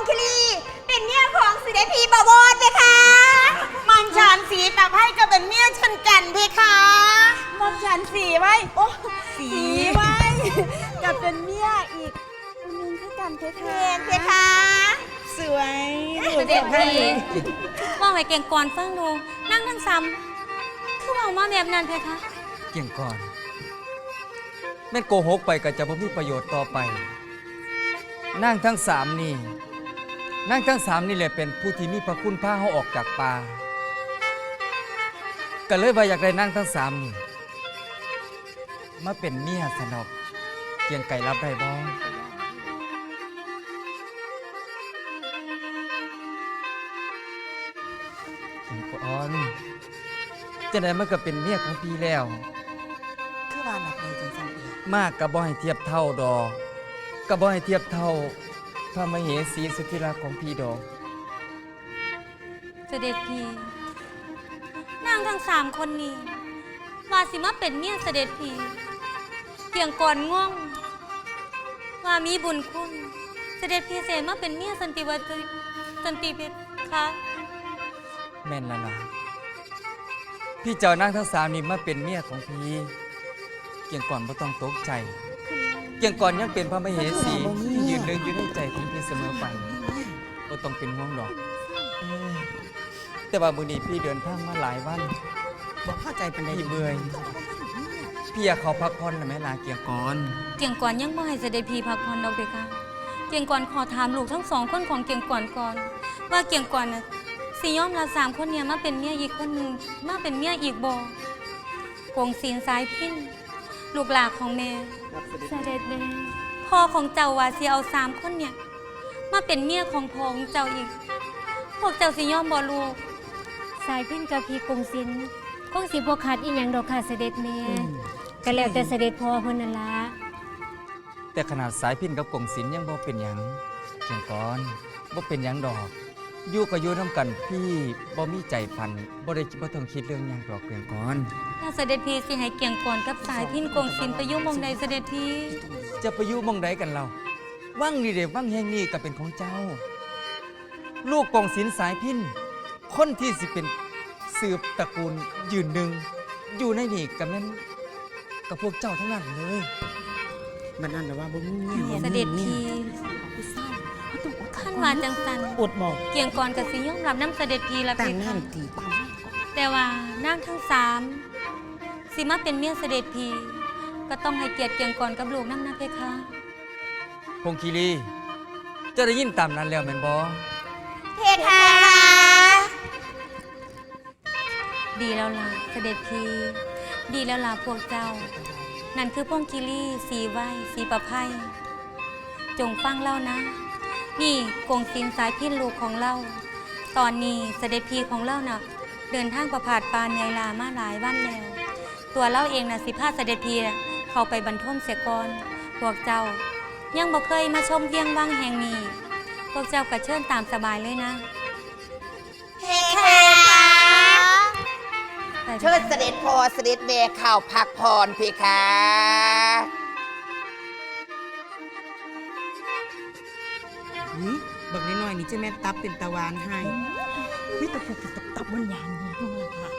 คิรีเป็นเมียของเสด็จพี่บวรเพคะมังฉันสีตะไพ่ก็เป็นเมียฉันกันเพคะมอมฉันสีไว้โอ้สีไว้กับเป็นเมียอีกคนนึงคือกันเพเพคะนเพคะสวยเสด็จพี่ว่าไว้เก่งก่อนฟังดูนั่งทั้งซ้ำคือว่ามาแบบนั้นเพคะเกี่ยงก่อนแม่นโกหกไปก็จะบ่มีประโยชน์ต่อไปนั่งทั้งสามนี่นั่งทั้งสามนี่แหละเป็นผู้ที่มีพระคุณพาเขาออกจากป่าก็เลยว่าอยากได้นั่งทั้งสามนี่มาเป็นเมียสนอกเกียงไก่รับได้บ่เกียงก่อนจะได้มันก็เป็นเมียของพี่แล้วคือว่าหลับเลยจังสันเดียวมากกับบ่ให้เทียบเท่าดอกกับบ่ให้เทียบเท่าพระมเหสีสุดที่รักของพี่ดอกเสด็จพี่นางทั้ง3คนนี้ว่าสิมาเป็นเมียเสด็จพี่เพียงก่อนง่วงว่ามีบุญคุณเสด็จพี่เสมาเป็นเมียสันติวัตรสันติเพชรคะแม่นละล่ะพี่เจ้านั่งทั้งสามนี่มาเป็นเมียของพี่เกี่ยงก่อนบ่ต้องตกใจเกี่ยงก่อนยังเป็นพระมเหสีที่ยืนหนึ่งอยู่ในใจของพี่เสมอไปบ่ต้องเป็นห่วงดอกแต่ว่ามื้อนี้พี่เดินทางมาหลายวันบอกเข้าใจเป็นไรพี่เบื่อยพี่อยากขอพักผ่อนนะแม่ลาเกี่ยงก่อนเกียงก่อนยังบ่ให้เสด็จพี่พักผ่อนดอกเพคะเกียงก่อนขอถามลูกทั้ง2คนของเกียงก่อนก่อนว่าเกียงก่อนน่ะสิยอมรับ3คนเนี่ยมาเป็นเมียอีกคนหนึ่งมาเป็นเมียอีกบ่กงศีลสายพินลูกหลานของแม่เสด็จแม่พ่อของเจ้าว่าสิเอา3คนเนี่ยมาเป็นเมียของพ่อของเจ้าอีกพวกเจ้าสิยอมบ่ลูกสายพินกับพี่กงศิลป์คงสิบ่ขาดอีหยังดอกค่ะเสด็จแม่ก็แล้วแต่เสด็จพ่อเพิ่นนั่นล่ะแต่ขนาดสายพินกับกงศิลป์ยังบ่เป็นหยังเกี่ยงก่อนบ่เป็นหยังดอกอยู่ก็อยู่นํกันพี่บ่มีใจพันบ่ได้บ่ต้องคิดเรื่องหยังดอกเกี่ยงก่อนถ้าเสด็จพี่สิให้เกียงก่อนกับสายพินกงศิลป์ไปยุ่งมองใดเสด็จพี่จะไปอยู่หมองใดกันเราวังนี่เด้วังแห่งนี้ก็เป็นของเจ้า ลูกกงศิลป์สายพินคนที่สิเป็นสืบตระกูลยืนหนึ่งอยู่ในนี่กับนั้นกับพวกเจ้าทั้งนั้นเลยมันนั่นแต่ว่าบ่มีเมียเสด็จพี่ขั้นว่าจังสันอดบอกเกียงก่อนกับสิยอมรับน้ำเสด็จพี่ละแต่เพงงาคะนตีตามนั่นก่อนแต่ว่านางทั้ง3สิมาเป็นเมียเสด็จพี่ก็ต้องให้เกียรติเกียงก่อนกับลูกน้ำนะเพคะพงคีรีจะได้ยินตามนั้นแล้วแม่นบ่เพคะดีแล้วล่ะเสด็จพี่ดีแล้วล่ะพวกเจ้า นั่นคือพงคิรีสีไว้สีประไพจงฟังเล่านะ นี่กงศิลป์สายพินลูกของเราตอนนี้เสด็จพี่ของเราน่ะเดินทางประพาสปานเหนื่อยลามาหลายวันแล้ว ตัวเราเองน่ะสิพาเสด็จพี่เข้าไปบรรทมเสียก่อนพวกเจ้ายังบ่เคยมาชมเวียงวังแห่งนี้พวกเจ้าก็เชิญตามสบายเลยนะเพคะไปเชิญเสด็จพ่อเสด็จแม่เข้าพักผ่อนเพคะนี่บักน้อยๆนี่จะแม่ตับเป็นตะวันให้วิตะผูกตับมันยางนี่นู่นล่ะค่ะ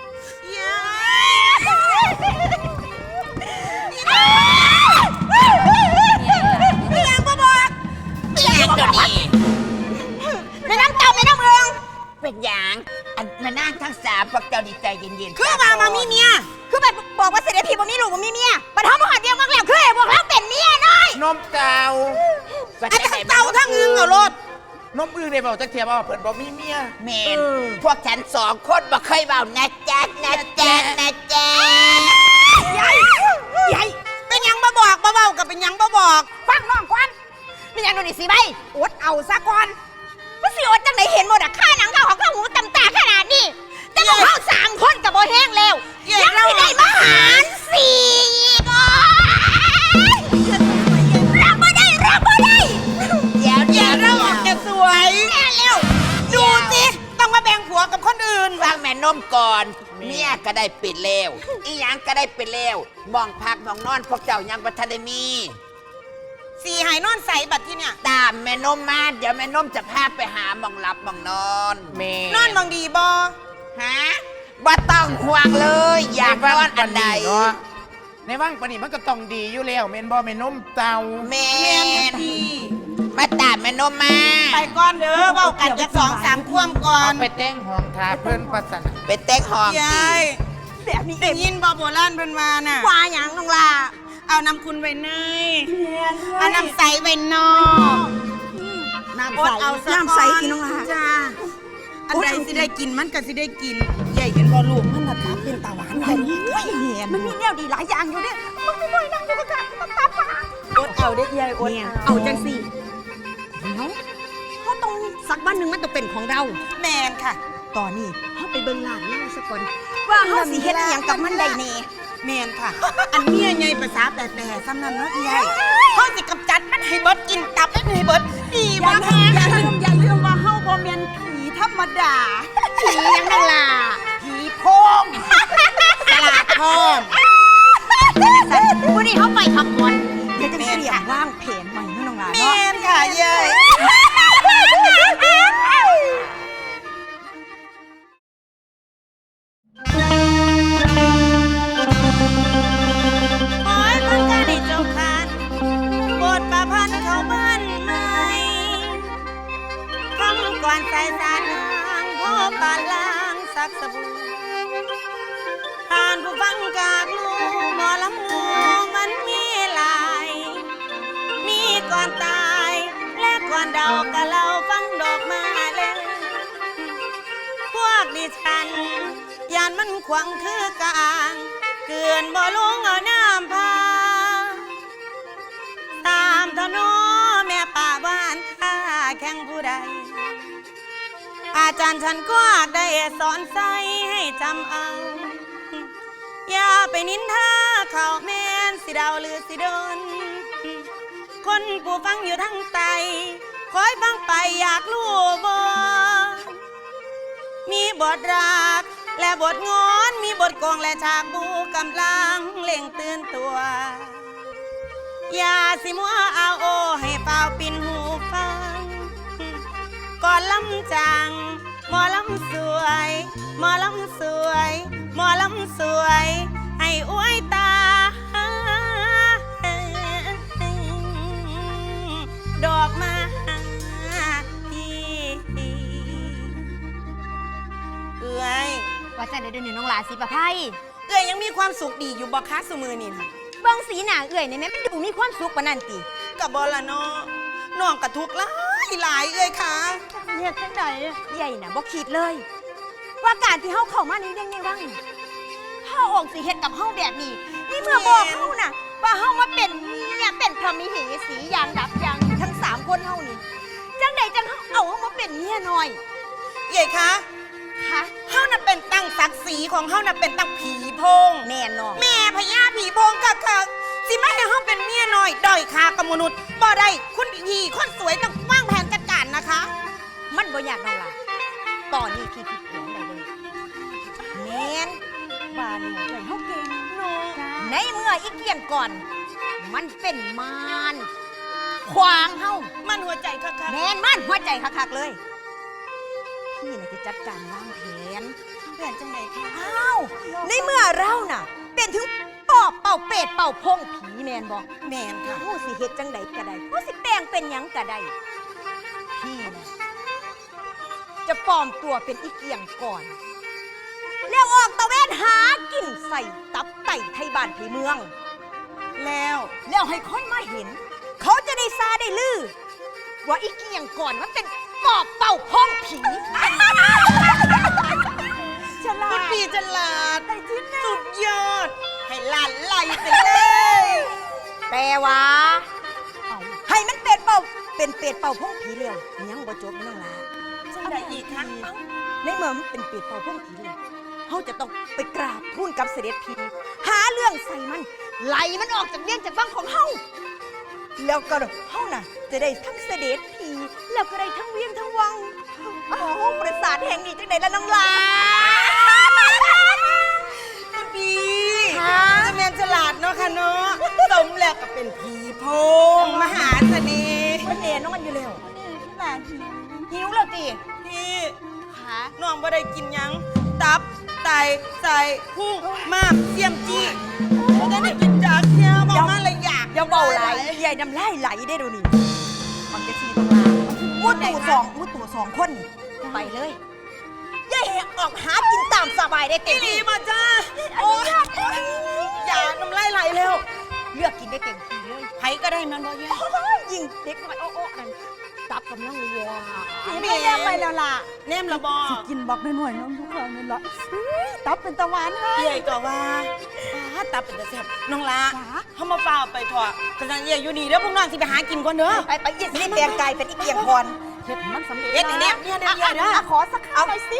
ไม่ยังบ่บอกไม่อยากเดี๋ยวนี้ไม่น้ำเต่าไม่น้ำเมืองเป็นหยางอันมานั่งทั้งสามพวกเจ้าดีใจเย็นๆคือว่ามามีเมียคือไปบอกว่าเสด็จพี่บ่มีลูกบ่มีเมียบัดเฮาบ่หัดเวียงวังแล้วคือให้บอกเราเป็นเมียน้อยนมเจ้าอันทั้งเต่าทั้งอึงเอารถนมอื่นเลยบอกจะเทียบว่าเพิ่นบอกมีเมียเมนพวกฉัน2 คนบ่เคยเบานะจ๊ะนะจ๊ะนะจ๊ะใหญ่ใหญ่เป็นหยังบ่บอกบ่เว้ากับเป็นหยังบ่บอก ฟังน้องก่อนเป็นหยังโดนนี่สิใบอดเอาซะก่อนมันสิอดจังไดเห็นหมดอะค่าหนังข้าวของข้าวหูตำตาขนาดนี้แต่พวกเฮา3 คนก็บ่แห้งแล้วยังสิได้มาหาร4อีกอ๋อรับบ่ได้รับบ่ได้เดี๋ยวอย่าเราออกจะสวยแน่เร็วดูสิต้องมาแบ่งผัวกับคนอื่นฟังแม่นมก่อน เมียก็ได้ปิดแล้วอีหยังก็ได้ปิดแล้วมองพักมองนอนพวกเจ้ายังบ่ทันได้มีสีหายนอนใสบัดที่เนี่ยตามแม่นมมาเดี๋ยวแม่นมจะพาไปหาหมองหลับหมองนอนแม่นอนมองดีบอฮะบ่ต้องห่วงเลย อยากนอนอันใดเนาะในว่างปานนี้มันก็ต้องดีอยู่แล้วแม่นบ่แม่นมเตาแม่ดีมาตามแม่นมมาไปก่อนเด้อเว้ากันจะ2-3 ควมก่อนเอาไปแต่งห้องทาเพิ่นปัสสนะไปเต็กห้องยาสิยแบบนี้ได้ยินบอโบราณเพิ่นว่าน่ะว่าหยังน้องลาเอาน้ำคุณไว้ในแม่นเอาน้ำใสไว้นอกน้ำอใสดเอาซะน้ำใสกินน้องลาจ้าอันใดสิได้กินมันก็สิได้กินใหญ่เห็นบ่ลูกมันน่ะตับเป็นตาหวานแบบนี้มันมีแนวดีหลายอย่างอยู่เด้มันไม่น้อยนั่งอยู่กับกันตาฟ้าอดเอาได้ใหญ่อดเอาจังสิเนาะเขาต้องสักวันหนึ่งมันต้องเป็นของเราแมนค่ะตอนนี้เขาไปเบิ่งหลานเล่าซะก่อนว่าเขาสิเฮ็ดอหยังกับมันได้แน่แมนค่ะ อันเมียใหญ่ภาษาแต่ซ้ำนั้นเนาะใหญ่เขาสิกำจัดมันให้เบิดกินตับมันให้เบิดดีบ่คะอย่าลืมว่าเฮาบ่แม่นผีธรรมดา ผีหยังนั่นล่ะผีโพงสลาดทองวันนี้เขาไปขับวนเดี๋ยวจะเสียงว่างเพนใหม่เนาะน้องหลานแมเนาะนค่ะใหญ่ โอ้ยพันกาได้เจ้าคานบทประพันธ์เขาบ้านใหม่คำก่อนใส่สารนางพ่อปานลางสักสบู่ผ่านผู้ฟังกากลูหมอลำมูมันมีหลาย มีก่อนตาย และก่อนเดากะเราฟังดอกมาเลยพวกดิฉันยานมันขวางคือกลางเกินบ่ลงเอาน้ำพาตามถนนแม่ป่าบ้านข้าแข่งผู้ใด อาจารย์ฉันก็ได้สอนใส่ให้จำเอา อย่าไปนินทาเขาแม่นสิดาวหรือสิโดน คนผู้ฟังอยู่ทั้งไตคอยฟังไปอยากรู้บ่มีบทรักและบทงอนมีบทกองและฉากบูกำลังเล่งตื่นตัว อย่าสิมัวเอาโอให้เปล่าปินหูฟัง ก่อนลำจังหมอลำสวยหมอลำสวยหมอลำสวยให้อวยตา ดอกมาพี่เอ้ยว่าจะได้เดินน้องหลานสิประไพเอ้ยยังมีความสุขดีอยู่บ่คะสมือนี่นะเบิ่งสีหน้าเอื่อยในแม่มันดูมีความสุขปานนั้นติกับบอละเนาะน้องกระทุกหลายหลายเอ้ยค่ะเฮ็ดจังได๋ใหญ่น่ะบ่คิดเลย ว่าการที่เฮาเข้ามาในเรื่องในวังนี่เฮาออกสิเฮ็ดกับเฮาแบบนี้นี่เมื่อบอกเฮาน่ะ ว่าเฮามาเป็นเมียเป็นพระมิเหสีอย่างดับอย่างทั้ง3คนเฮานี่จังไดจังเฮาเอาเฮามาเป็นเมียน้อยเอ้ยคะคะเฮาน่ะเป็นตั้งศักดิ์ศรีของเฮาน่ะเป็นตั้งผีโพงแน่นอนแม่พญาผีโพงคักๆสิไม่ให้เฮาเป็นเมียน้อยด้อยค่ากับมนุษย์บ่ได้คุณพี่คนสวยต้องวางแผนจัดการนะคะมันบ่ยากน้องล่ะตอนนี้พี่คิดเองได้เลยแม่นบ้านเนี่ยเอ้ยเฮาเก่งหนูในเมื่ออีเกียนก่อน มันเป็นมารขวางเฮามันหัวใจคักแมนมันหัวใจคักๆเลย พี่น่ะจะจัดการวางแผนๆแผนจังไดคะอ้าวในเมื่อเราน่ะ เป็นถึงปอบเป่าเป็ดเป่าพงผีแมนบอกแม่นค่ะผู้สิเฮ็ดจังใดก็ได้ผู้สิแปลงเป็นหยังก็ได้พี่น่ะจะปลอมตัวเป็นอีเกียงก่อน แล้วออกตะเวนหากินใส่ตับไตไทยบ้านไทยเมืองแล้วแล้วให้คนมาเห็น เขาจะได้ซาได้ลือ ว่าอีเกียงก่อนมันเป็นปอบเป่าพ้องผีฉลาคุณดพี่ฉลาดแต่ที่แน่สุดยอด ให้หลานไหลไปเลยแต่ว่าให้มันเป็ดเป่าเป็นเป็ดเป่าพ้องผีเร็วยังบ่จบน้องลาจังไดอีกคะในเมื่อมันเป็นเป็ดเป่าพ้องผีเร็วเขาจะต้องไปกราบทูลกับเสด็จพีหาเรื่องใส่มันไล่มันออกจากเวียงจากบ้างของเฮาแล้วก็เฮาน่ะ จะได้ทั้งเสด็จพีแล้วก็ได้ทั้งเวียงทั้งวังโอ้โหประสาทแห่งนี้จังไหนละน้องลาคุณพี่ค่ะจะแม่นฉลาดเนาะค่ะเนาะสมแล้วก็เป็นผีโพงมหาเสน่ห์มันแน่นอนอยู่แล้วน่าหิวแล้วติพี่ขาน้องบ่ได้กินหยังตับไตใส่พุงมากเสียมจี้บ่ได้กินจากเที่ยวบอกมาเลยอยากอย่าเบาไหลใหญ่น้ำลายไหลได้ดูนี่มันจะชีตรงลางมุดตู่สองคนนี่ไปเลยอย่าแหกออกหากินตามสบายได้เต็อีมหลีที่มาจ้าโอ้ยอย่าน้ำลายไหลเร็วเลือกกินได้เต็มที่เลยไผก็ได้มันบ่แย่โอ้ยยิงเด็กน้อยโอ้นั่นตับกำลังเลยว่ะแม่ไม่ได้ไปแล้วล่ะแนมละบ่สิกินบอกหน่อยๆน้องทุกคนนี่ละตับเป็นตะวันให้เอี่ยก็ว่าตับเป็นตะแซ่บน้องละจ๋าเฮามาเปล่าไปเถอะกำลังเอี่ยอยู่นี่เด้อพวกน้องสิไปหากินก่อนเด้อไปยิงสิเตียงไก่เป็นอีเกียงพรเฮ็ดให้มันสำเร็จเฮ็ดอย่างเนี้ยเนี่ยเด้อขอสักข้าวหน่อยสิ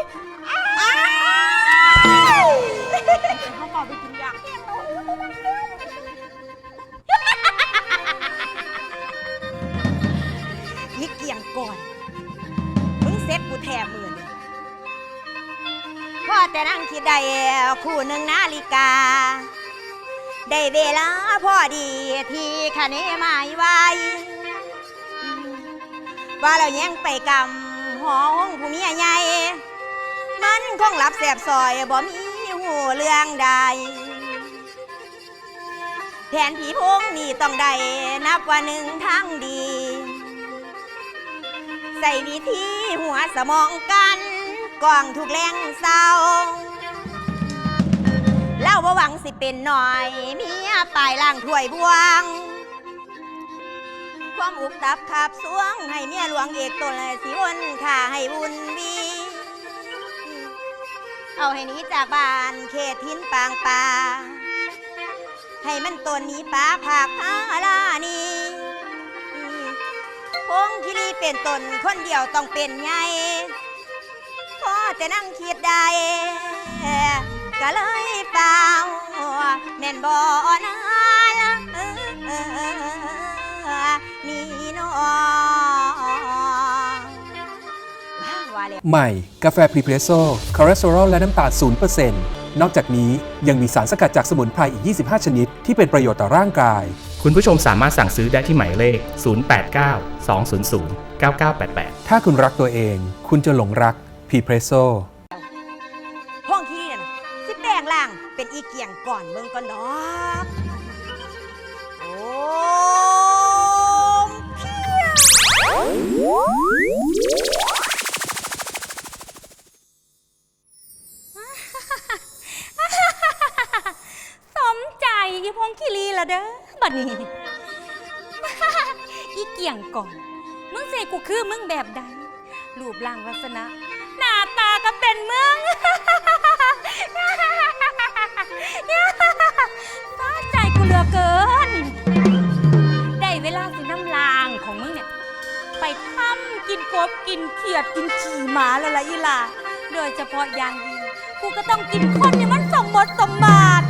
เขาบอกไปกินยาอีเกียงก่อนมึงเซ็ตกูแถมมือนี่พ่อแต่นั่งคิดได้คู่หนึ่งนาฬิกา ได้เวลาพอดีที่คะเนหมายไว้ ว่าเราแย่งไปกำห้องผู้เมียใหญ่ มันคงหลับแสบซอยบ่มีหูเรื่องใดแผนผีพงนี่ต้องได้นับว่าหนึ่งทางดี ใส่วิธีหัวสมองกันกองถูกแรงเศร้าเล่าว่าหวังสิเป็นหน่อยเมียปลายล่างถ้วยบวง ความอุกตับขับสวงให้เมียหลวงเอกตนเลยสิวนข่าให้บุญวีเอาให้หนี้จากบ้านเขตทินปางป่าให้มันตนนี้ป่าผากพาลานีพงคิรีเป็นตนคนเดียวต้องเป็นใหญ่พอแต่นั่งคิดได้ก็เลยเปล่าแม่นบ่นาละนี่น้องว่าเลยใหม่ กาแฟพรีเพรสโซ่คอเลสเตอรอลและน้ำตาล 0% นอกจากนี้ยังมีสารสกัดจากสมุนไพรอีก 25 ชนิด ที่เป็นประโยชน์ต่อร่างกายคุณผู้ชมสามารถสั่งซื้อได้ที่หมายเลข 089 200 9988 ถ้าคุณรักตัวเอง คุณจะหลงรักพรีเพรสโซ่ห้องที่นี่นะสิแปลงล่างเป็นอีเกียงก่อนเมืองก่อนดอกโอ้เพียงสมใจอีพงคิรีละเด้อบัดนี้ อีเกี่ยงก่อนมึงเสกูคือมึงแบบใดรูปร่างลักษณะหน้าตาก็เป็นมึง สาใจกูเหลือเกิน ได้เวลาสิน้ำลางของมึงเนี่ยไปทำกินกบกินเขียดกินฉี่หมาแล้วล่ะอีหล่าโดยเฉพาะอย่างยิ่งกูก็ต้องกินคนเนี่ยมันสมบทสมบัติ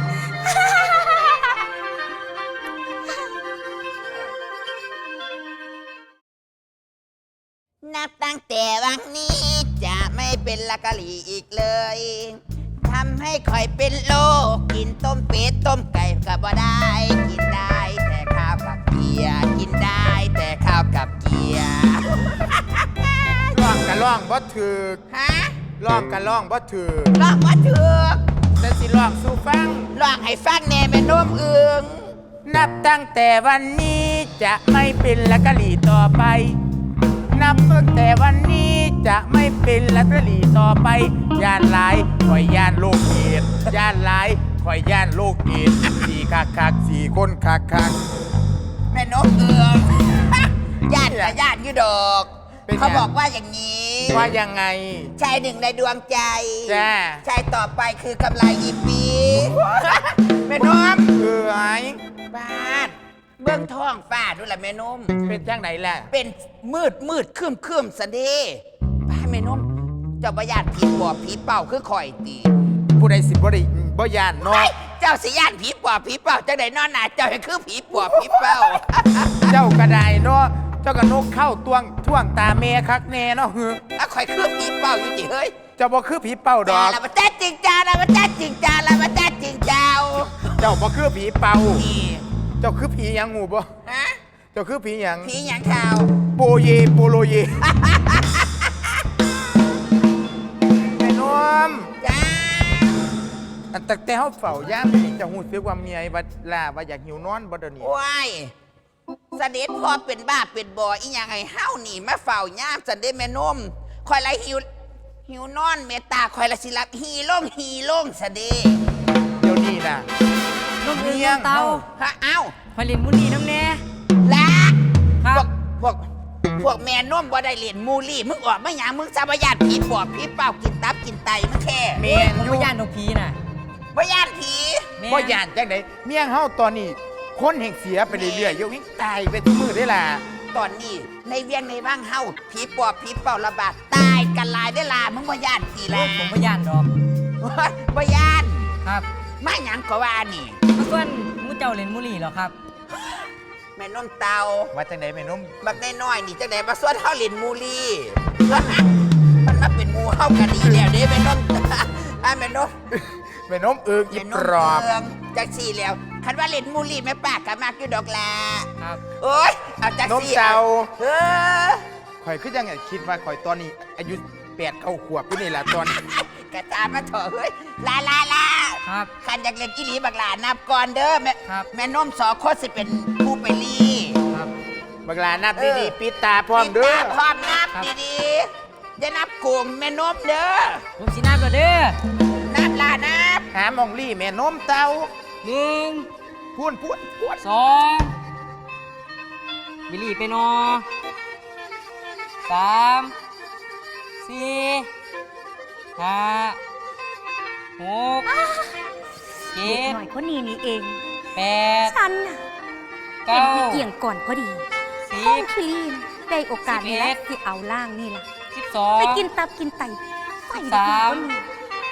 นับตั้งแต่วันนี้จะไม่เป็นละกะหลี่อีกเลยทำให้คอยเป็นโรคกินต้มเป็ดต้มไก่ก็บ่ได้ กินได้แต่ข้าวกับเกียร์กินได้แต่ข้าวกับเกียร์ร้องกันร้องบ่ถือฮะร้องกันร้องบ่ถือร้องว่าถือแต่สิร้องสู่ฟังร้องให้ฟังแน่แม่นมเอืองนับตั้งแต่วันนี้จะไม่เป็นละกะหลี่ต่อไป นับตั้งแต่วันนี้จะไม่เป็นละกะหลี่ต่อไปย่านหลายคอยย่านโลกเอดส์ย่านหลายคอยย่านโลกเอดส์สี่คักสี่คนคักแม่นมเอือง ญาติกับญาติอยู่ดอกเป็นไงเขาบอกว่าอย่างนี้ว่ายังไงชายหนึ่งในดวงใจจ้าชายต่อไปคือกำไรอีปีแม่นมเอ้ยบ้านเบื้องท้องฟ้าด้วยล่ะแม่นมเป็นจังไหนล่ะเป็นมืดคืมสันเดีบ้านแม่นมเจ้าบ่ญาติผีปอบผีเป่าคือข่อยตีผู้ใดสิบ่ได้บ่ย่านเนาะเฮ้ยเจ้าสิญาติผีปอบผีเป่าจังไดนอนหนาเจ้าให้คือผีปอบผีเป่าเจ้าก็ได้เนาะเจ้าก็นกเข้าท่วงตาเมคักแน่เนาะแล้วข่อยคือผีเป่าอยู่ติเฮ้ยเจ้าบ่คือผีเป้าดอกแล้วมาแต่ตีจิงจาละมาจ้าจิงจาละมาจ้าจิงเจ้าเจ้าบ่คือผีเป่านี่เจ้าคือผีหยังหูบ่ฮะเจ้าคือผีหยังผีหยังข่าวโปเยโปโลเยแม่นมจ้าอันตั้งแต่เฮาเฝ้ายามนี่เจะหูสึกว่าเมียว่าล่าว่าอยากหิวนอนบ่เดี๋ยวนี้ว้ายเสด็จพ่อเป็นบ้าเป็นบ่ออีหยังให้เฮานี่มาเฝ้าย่ามสันเด้แม่นมคอยละหิวนอนเมตตาคอยละสิรับฮีโล่งสะเด้เดี๋ยวนี้น่ะน้องเมีเมียยเตาฮะเอ้าพลินมุนีน้ำแน่ละครับพวกแม่นมบ่ได้เล่นมูลี่มึงออกมาหยังมึงสาบญาติผีปอบผีเป้ากินตับกินไตมึงแค่แม่นผมอยู่ไม่ย่านนกพีน่ะบ่ญาติผีบ่ย่านจังได๋เมียเฮาตอนนี้คนแห่งเสียไปเรื่อยๆอยู่วิ่งตายไปทุกมื้อได้ล่ะตอนนี้ในเวียงในว่างเฮาผีปอบผีเป้าระบาดตายกันหลายได้ล่ะมึงบ่ญาติผีแล้วผมไม่ย่านดอกบ่ญาติครับมาหยังก็ว่านี่เมื่อก่อนมูเจ้าเล่นมุลีเหรอครับแม่นมเตาว่าจังได๋แม่นมบักน้อยๆนี่จังได๋มาสวนเฮาเล่นมูลี่ มันมาเป็นหมูเฮากันดีแล้วเด้แม่นม แม่นมแม่นมเอิงอีแม่นปมรอบเมืองจังซี่แล้วคันว่าเล่นมูลี่แม่ป้าก็มักอยู่ดอกล่ะครับโอ๊ยเอาจังนมซี่เจ้าเออข่อยคือยังไงคิดว่าข่อยตอนนี้ อายุ8เข้าขวบอยู่นี่ล่ะตอนกระตามมาเถอะเฮ้ยลาครับคันอยากเล่นอีหลีบักหลานับก่อนเด้อแม่ครับแม่นมสอคนสิเป็นผู้ไปลี่ครับบักหลานับดีๆปิดตาพร้อมเด้อปิดตาพร้อมนับครับดีๆอย่านับโกงแม่นมเด้อผมสิน้ำก่อนเด้อนับลานับหามองลี่แม่นมเต้าหนึ่งพูดสองบิลลี่ไปนอสามสี่ห้าหกเจ็เด็กดหน่อยคนนี้นี่เองแปดฉันน่ะเห็เก้านพี่เกี่ยงก่อนพอดีสิห้องบคลีนได้โอกาสนี่แหละ 11 ที่เอาล่างนี่ล่ะ 12 ไปกินตับกินไตใส่ 13 คนนี้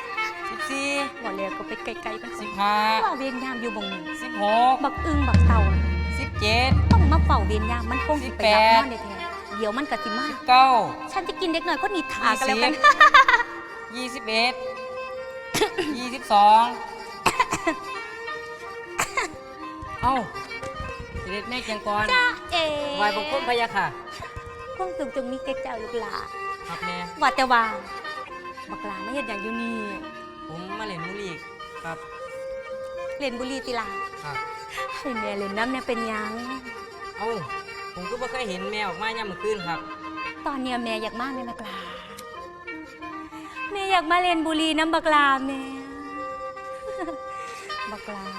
14 บ่แล้วก็ไปไกลๆกันสิว่า 15 เวียนยามอยู่บ่งนี้ 16 บักอึงบักเต่าน่ะ 17 ต้องมาเฝ้าเวียนยามมันคงสิไปรับ 18 นอนได้แท้เดี๋ยวมันก็สิมา 19 ฉันจะกินเด็กหน่อยคนนี้ถากันแล้วกัน 21 22 เอ้าเสด็จแม่เกียงกรจ้าเอ๋ไหวบังคมพะยะค่ะคงสูงตรงนี้แกเจ้าลูกหลาครับแม่ว่าแต่ว่าบักหลาไม่เห็นอย่างอยู่นี่ผมมาเล่นมุลีกครับเล่นบุหรีติลาครับให้แม่เล่นน้ำเนี่ยเป็นหยังเอ้า ผมก็ไม่เคยเห็นแมวออกมาย่ำมื้อคืนครับตอนเนี้ยแม่อยากมาแม่บักหลาแม่อยากมาเล่นบุหรีน้ำบักหลาแม่ บักหลา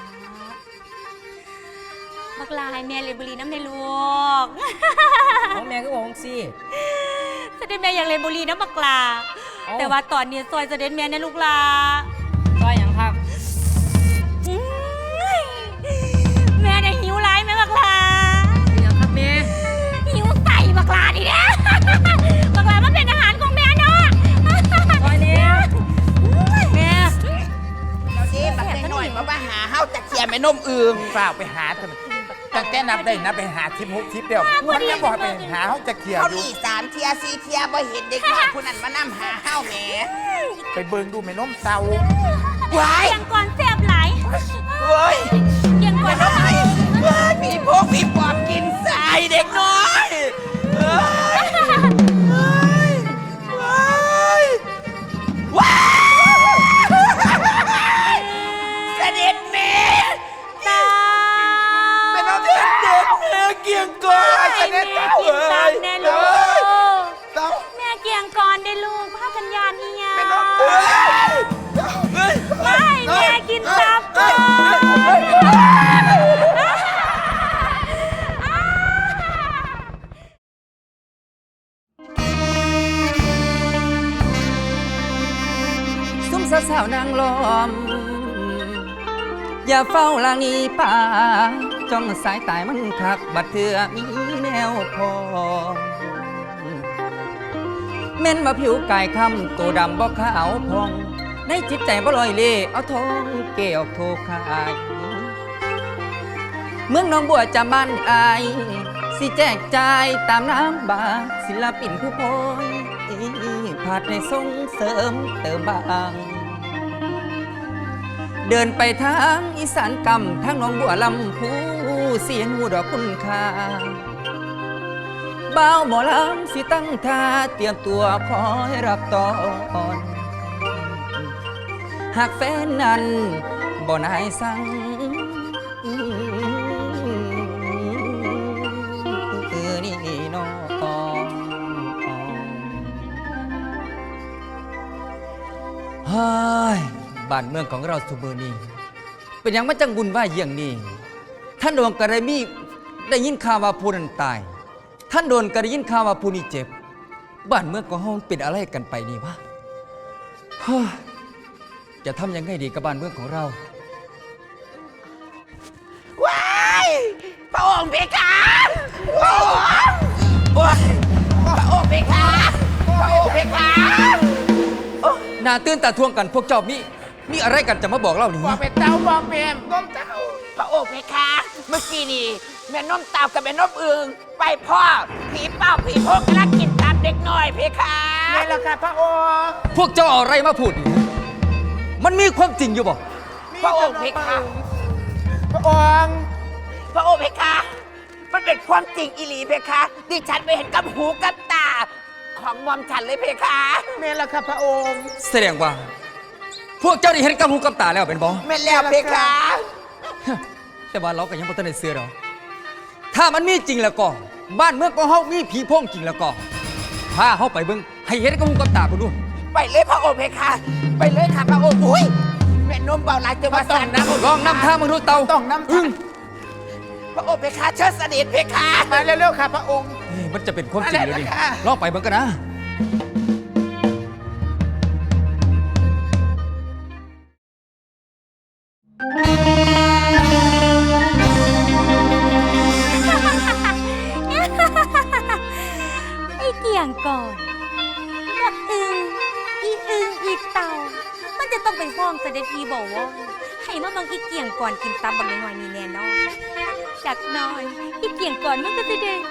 บักหลาให้แม่เล่นบุหรีน้ำในลูกของแม่ก็บอกสิเสด็จแม่อยากเล่นบุหรีน้ำบักหลาเอ้าแต่ว่าตอนนี้ซอยเสด็จแม่ในลูกหลาต้อยหยังครับอื้อแม่เนี่ยหิวไรแม่บักหลาเป็นหยังครับแม่หิวใส่บักหลาดิเนี่ย บักหลามันเป็นอาหารของแม่เนาะต้อยเนี่ยแม่แล้วนี่บักน้อยๆมาหาเฮาจะเคลียร์แม่นมอึงฝ่าวไปหาเถอะตั้งแต่นับได้นับไปหา16ทิปเดียวมันยังบอกให้ไปหาเขาจะเคลียร์เขาอยู่นี่3 เที่ย 4 เที่ยบ่เห็นเด็กน้อยผู้นั้นมานำหาเฮาแหมไปเบิ่งดูแม่นมเต้าว้ายเกียงก่อนแซ่บหลายเฮ้ยเกียงก่อนน้อยว้ายมีพวกมีปอบกินสายเด็กน้อยเฮ้ยเฮ้ยว้ายว้ายเสด็จแม่ตาเป็นน้องเด็กเด็กแม่เกียงก่อนเสด็จเต้ากินตับแน่ลูกเต้าแม่เกียงก่อนได้ลูกพากันยานอีหยังเป็นน้องเอ้ยเฮ้ยไม่แม่กินตับก่อนซุ่มสาวๆนางล้อม อย่าเฝ้าลางนี้ป่าจ้องสายตายมันคัก บัดเถื่อมีแนวพอแม่นว่าผิวกายคำตัวดำบ่ขาวพอง ในจิตใจบ่ลอยเล่เอาทองเกี่ยวโทขาย เมืองหนองบัวจะบ้านอาย สิแจกจ่ายตามน้ำบาศิลปินผู้พอยผาดในส่งเสริมเติมบางเดินไปทางอีสานกำทางหนองบัวลำพูเสียงหูดอกคุณค่าบ่าวหมอลำสิตั้งท่าเตรียมตัวคอยรับตอนหากแฟนนั้นบ่นายสั่งนี่น้องเฮ้ยบ้านเมืองของเราสุมือนี้เป็นอย่างมาจังบุญว่าอย่างนี้ท่านโดนกระมีได้ยินข่าวว่าผู้นั้นตายท่านโดนกระยินข่าวว่าผู้นี้เจ็บบ้านเมืองของเราเป็นอะไรกันไปนี่วะเฮ้ยจะทำยังไงดีกับบ้านเมืองของเราว้ายพระองค์เพคะพระองค์โอ้ยพระองค์เพคะพระองค์เพคะน่าตื่นตาทวงกันพวกเจ้ามีอะไรกันจะมาบอกเล่าหนิบอกเป็นเต้าบอกเป็นต้มเต้าพระองค์เพคะเมื่อกี้นี่แม่น้มเต่ากับแม่น้มอึงไปพ่อผีเป้าผีพกกำลังกินตามเด็กน้อยเพคะนี่แหละค่ะพระองค์พวกเจ้าเอาอะไรมาพูดนี่มันมีความจริงอยู่บ่พระองค์เพคะพระองค์พระองค์เพคะมันเป็นความจริงอีหลีเพคะดิฉันไปเห็นกับหูกับตาของมอมฉันเลยเพคะนี่แหละค่ะพระองค์แสดงว่า พวกเจ้าได้เห็นกับหูกับตาแล้วเป็นบ่แม่นแล้วเพคะแต่ว่าเราก็ยังบ่ทันได้เชื่อหรอกถ้ามันมีจริงแล้วก็บ้านเมืองของเฮามีผีโพงจริงแล้วก็พาเฮาไปเบิ่งให้เห็นกับหูกับตาพุ่นดูไปเลยพระองค์เพคะไปเลยค่ะพระองค์อุ้ยแม่นมเบาหลายจังหวัดสันนะลองนำทางมึงดูเตาต้องน้ำอึ้งพระองค์เพคะเชิดเสด็จเพคะมาเร็วๆค่ะพระองค์นี่มันจะเป็นความจริงเลยดิอะไรนะคะลองไปเบิ่งกันนะไอ้เกี่ยงก่อนบักอึงอีเต่า มันจะต้องเป็นพ้องเสด็จพีบอกว่าให้มาบังอีเกี่ยงก่อนกินตับบักน้อยๆนี่แน่นอนจากหน้อยอีเกี่ยงก่อนมันก็จะเด้ง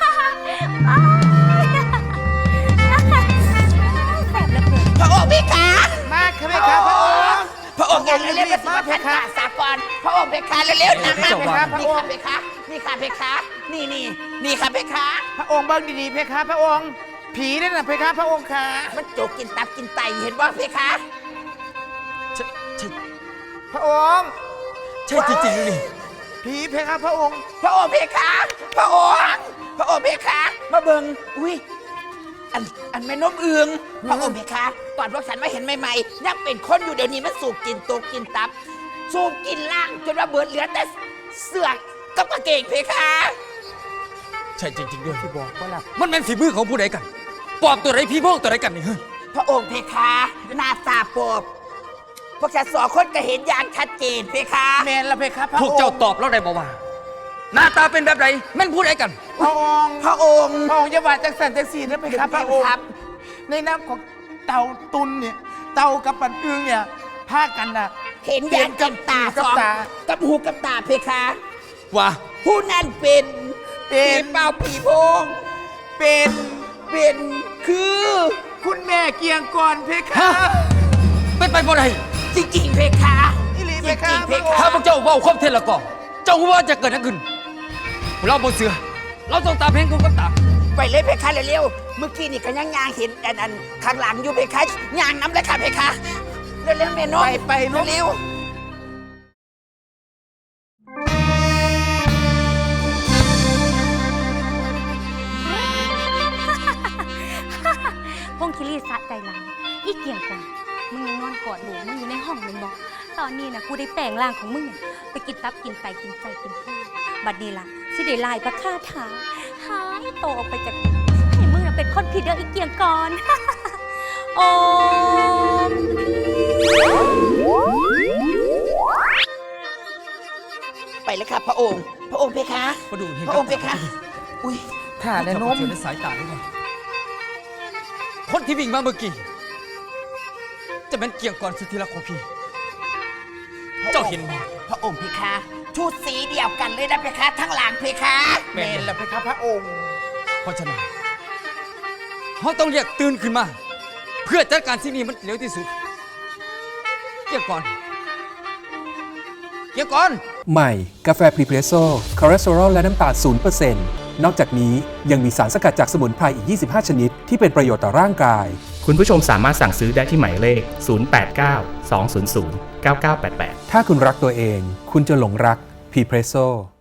แสบแล้วเกินพระองค์เพคะมาค่ะเพคะพระองค์พระองค์อย่าเร็วๆมาสิมาพันกาสากรพระองค์เพคะเร็วๆนะมาเจ้าเพว่าคะนี่ค่ะเพคะนี่ค่ะเพคะนี่ค่ะเพคะพระองค์เบิ้งดีๆเพคะพระองค์ผีนั่นน่ะเพคะพระองค์ค่ะมันโจกกินตับกินไตเห็นว่าเพคะใช่ใช่พระองค์ใช่จริงๆเลยนี่ผีเพคะพระองค์พระองค์เพคะพระองค์เพคะมาเบิ่งอุ้ยอันแม่นมเอืองพระองค์เพคะตอนพวกฉันมาเห็นใหม่ๆยังเป็นคนอยู่เดี๋ยวนี้มันสูบกินตกกินตับ สูบกินล่างจนว่าเบิดเหลือแต่เสือกกับกางเกงเพคะใช่จริงๆด้วยที่บอกว่าหลับมันเป็นฝีมือของผู้ใดกันปอบตัวไหนผีโพงตัวไหนกันนี่เฮ้ยพระองค์เพคะหน้าตาปอบพวกฉันสองคนก็เห็นอย่างชัดเจนเพคะแมนละเพคะพระพอวกงค์เจ้าตอบแล้วได้บ่ว่าหน้าตาเป็นแบบไหนแม่นผู้ใดกันพระองค์พระองค์พระองค์อย่าว่าจังสันจังสีนะเพคะพระองค์ครับในน้ำของเต่าตุนเนี่ยเต่ากับปันอึงเนี่ยพากันน่ะเห็นอย่างกับตากับสองตากับหูกับตาเพคะว่าผู้นั้นเป็นเป็นผีเป่าผีโพง เป็นคือคุณแม่เกียงก่อนเพคะฮะเป็นไปบ่ได้จริงๆเพคะอิลีจเพริคะงๆเพถ้าคะพวกเจ้าเว้าความเท็จแล้วก็เจ้าว่าจะเกิดอะไรขึ้นเราบ่เสือเราต้องตามเพลงกูกับตาไปเลยเพคะเร็วๆเมื่อกี้นี่ก็ยังเห็นอันข้างหลังอยู่เพคะยางน้ำเลยค่ะเพคะเร็วๆเมนไปลูกเร็วพงคิรีสะใจหลังอีเกี่ยงก่อนมึงยังนอนกอดหนูมึงอยู่ในห้องมึงบอกตอนนี้นะกูได้แปลงร่างของมึงเนี่ยไปกินตับกินไตกินใจกินพุงบัดนี้ล่ะสิได้ลายประคาถาหายโตออกไปจากให้มึงน่ะเป็นคนผิดเด้ออีเกี่ยงก่อน โอ้ๆไปเลยค่ะพระองค์เพคะมาดูเห็นพระองค์เพคะอุ้ยถ่าแต่แน่นนมมในสายตาด้วยนะคนที่วิ่งมาเมื่อกี้จะเป็นเกี่ยงก่อนสุดที่รักของพี่ เจ้าเห็นไหมพระองค์เพคะชุดสีเดียวกันเลยนะเพคะทั้งหลังเพคะแมนละเพคะพระองค์เพราะฉะนั้นเขาต้องเรียกตื่นขึ้นมา เพื่อจัดการสิ่งนี้มันเร็วที่สุดเกี่ยงก่อนเกี่ยวก่อนใหม่ กาแฟพรีเพรสโซ่คอเลสเตอรอลและน้ำตาล0%นอกจากนี้ยังมีสารสกัดจากสมุนไพรอีก 25 ชนิดที่เป็นประโยชน์ต่อร่างกายคุณผู้ชมสามารถสั่งซื้อได้ที่หมายเลข 089 200 9988 ถ้าคุณรักตัวเอง คุณจะหลงรักพรีเพรสโซ่